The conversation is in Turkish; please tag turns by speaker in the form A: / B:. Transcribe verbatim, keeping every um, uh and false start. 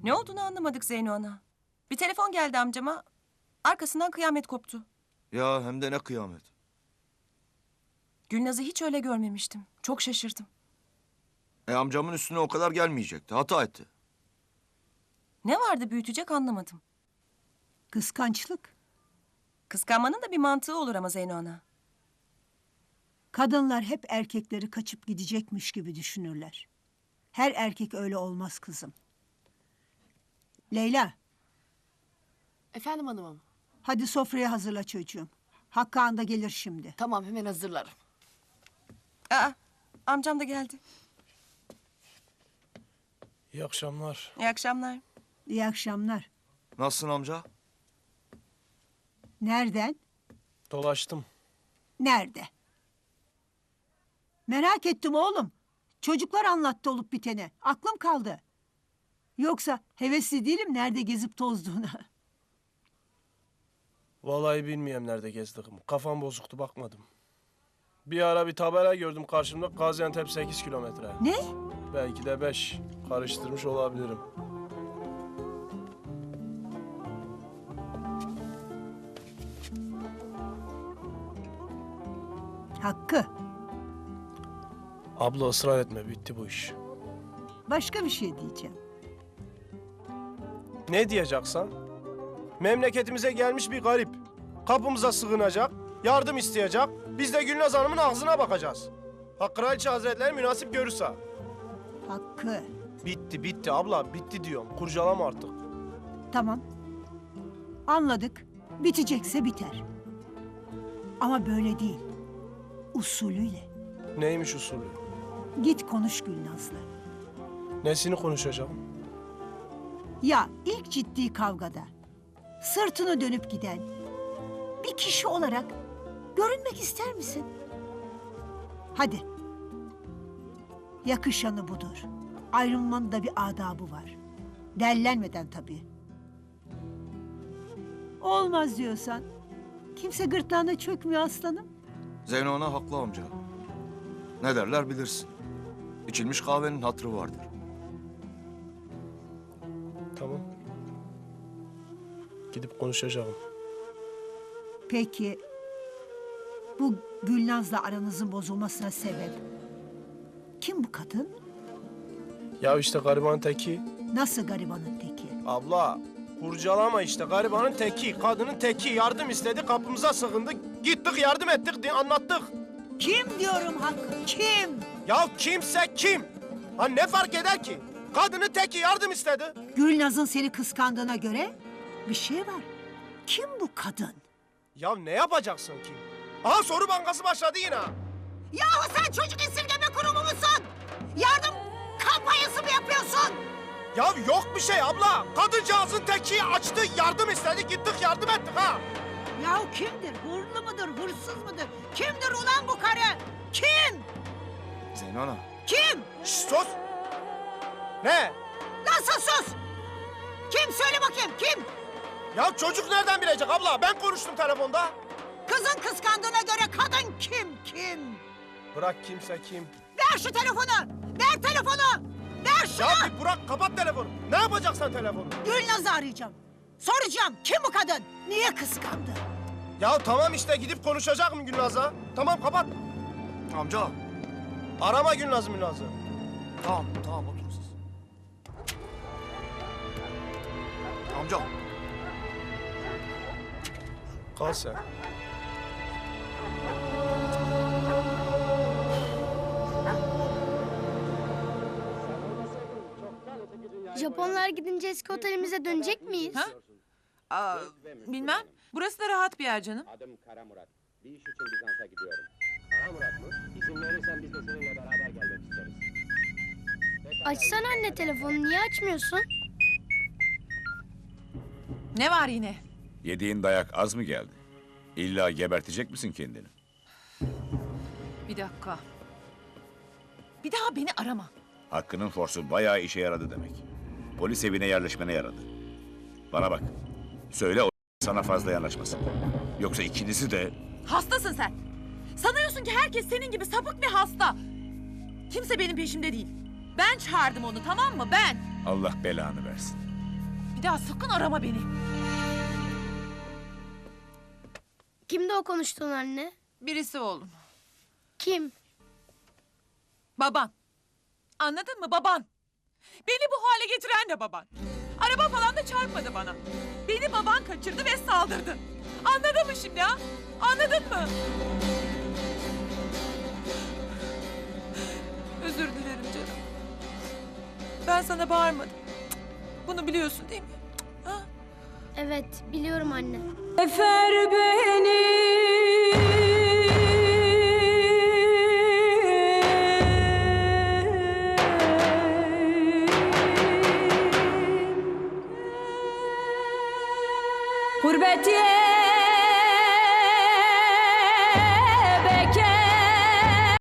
A: Ne olduğunu anlamadık Zeyno ana. Bir telefon geldi amcama. Arkasından kıyamet koptu.
B: Ya hem de ne kıyamet.
A: Gülnaz'ı hiç öyle görmemiştim. Çok şaşırdım.
B: E amcamın üstüne o kadar gelmeyecekti. Hata etti.
A: Ne vardı büyütecek anlamadım.
C: Kıskançlık.
A: Kıskanmanın da bir mantığı olur ama Zeyno ana.
C: Kadınlar hep erkekleri kaçıp gidecekmiş gibi düşünürler. Her erkek öyle olmaz kızım. Leyla,
D: Efendim hanımım.
C: hadi sofraya hazırla çocuğum. Hakkı Ağam da gelir şimdi.
D: Tamam hemen hazırlarım.
A: Aa, amcam da geldi.
E: İyi akşamlar.
A: İyi akşamlar.
C: İyi akşamlar.
B: Nasılsın amca?
C: Nereden?
E: Dolaştım.
C: Nerede? Merak ettim oğlum. Çocuklar anlattı olup biteni. Aklım kaldı. Yoksa hevesli değilim nerede gezip tozduğuna.
E: Vallahi bilmiyorum nerede gezdim. Kafam bozuktu bakmadım. Bir ara bir tabela gördüm karşımda. Gaziantep sekiz kilometre.
C: Ne?
E: Belki de beş. Karıştırmış olabilirim.
C: Hakkı.
E: Abla ısrar etme, bitti bu iş.
C: Başka bir şey diyeceğim.
E: Ne diyeceksen? Memleketimize gelmiş bir garip. Kapımıza sığınacak, yardım isteyecek. Biz de Gülnaz Hanım'ın ağzına bakacağız. Ha Kraliçe Hazretleri münasip görürse.
C: Hakkı.
E: Bitti, bitti abla, bitti diyorum. Kurcalama artık.
C: Tamam. Anladık. Bitecekse biter. Ama böyle değil. Usulüyle.
E: Neymiş usulü?
C: Git konuş Gülnaz'la.
E: Nesini konuşacağım?
C: Ya ilk ciddi kavgada sırtını dönüp giden bir kişi olarak görünmek ister misin? Hadi. Yakışanı budur. Ayrılmanın da bir adabı var. Dellenmeden tabii. Olmaz diyorsan kimse gırtlağına çökmüyor aslanım.
B: Zeyno ana haklı amca. Ne derler bilirsin. İçilmiş kahvenin hatırı vardır.
E: Tamam. Gidip konuşacağım.
C: Peki bu Gülnaz'la aranızın bozulmasına sebep kim bu kadın?
E: Ya işte garibanın teki.
C: Nasıl garibanın teki?
E: Abla kurcalama işte garibanın teki. Kadının teki yardım istedi kapımıza sığındı. Gittik yardım ettik diye anlattık.
C: Kim diyorum Hakkı, kim?
E: Ya kimse kim? Ha ne fark eder ki? Kadının teki yardım istedi.
C: Gülnaz'ın seni kıskandığına göre bir şey var. Kim bu kadın?
E: Ya ne yapacaksın ki? Aha soru bankası başladı yine.
C: Yahu sen çocuk esirgeme kurumu musun? Yardım kampanyası mı yapıyorsun?
E: Ya yok bir şey abla. Kadıncağızın teki açtı yardım istedi gittik yardım ettik ha.
C: Yahu kimdir? Hurlu mudur, hırsız mıdır? Kimdir ulan bu karı? Kim?
B: Zeyno ana.
C: Kim?
E: Şşş sus. Ne?
C: Nasıl sus? Kim? Söyle bakayım, kim?
E: Ya çocuk nereden bilecek abla? Ben konuştum telefonda.
C: Kızın kıskandığına göre kadın kim, kim?
E: Bırak kimse kim.
C: Ver şu telefonu! Ver telefonu! Ver şunu!
E: Ya bir bırak kapat telefonu. Ne yapacaksan telefonu?
C: Gülnaz'ı arayacağım. Soracağım, kim bu kadın? Niye kıskandı?
E: Ya tamam işte gidip konuşacak mı Gülnaz'a? Tamam kapat.
B: Amca.
E: Arama Gülnaz'ı Gülnaz'ı.
B: Tamam tamam oturun siz. Amca.
E: Kal sen.
F: Japonlar gidince eski otelimize dönecek miyiz?
G: Ha? Aa, bilmem. Burası da rahat bir yer canım.
H: Adım Kara Murat. Bir iş için Bizans'a gidiyorum. Kara Murat mı? İzin verirsen biz de seninle beraber gelmek isteriz. Pekala,
F: Açsana anne telefonu, niye açmıyorsun?
G: Ne var yine?
I: Yediğin dayak az mı geldi? İlla gebertecek misin kendini?
G: Bir dakika. Bir daha beni arama.
I: Hakkı'nın forsu bayağı işe yaradı demek. Polis evine yerleşmene yaradı. Bana bak. Söyle o sana fazla yanaşmasın. Yoksa ikinizi de...
G: Hastasın sen. Sanıyorsun ki herkes senin gibi sapık ve hasta. Kimse benim peşimde değil. Ben çağırdım onu, tamam mı? Ben.
I: Allah belanı versin.
G: daha sakın arama beni.
F: Kimdi o konuştuğun anne?
G: Birisi oğlum.
F: Kim?
G: Baban. Anladın mı baban? Beni bu hale getiren de baban. Araba falan da çarpmadı bana. Beni baban kaçırdı ve saldırdı. Anladın mı şimdi ha? Anladın mı? Özür dilerim canım. Ben sana bağırmadım. Bunu biliyorsun değil mi? Ha?
F: Evet biliyorum anne.
J: Efer beni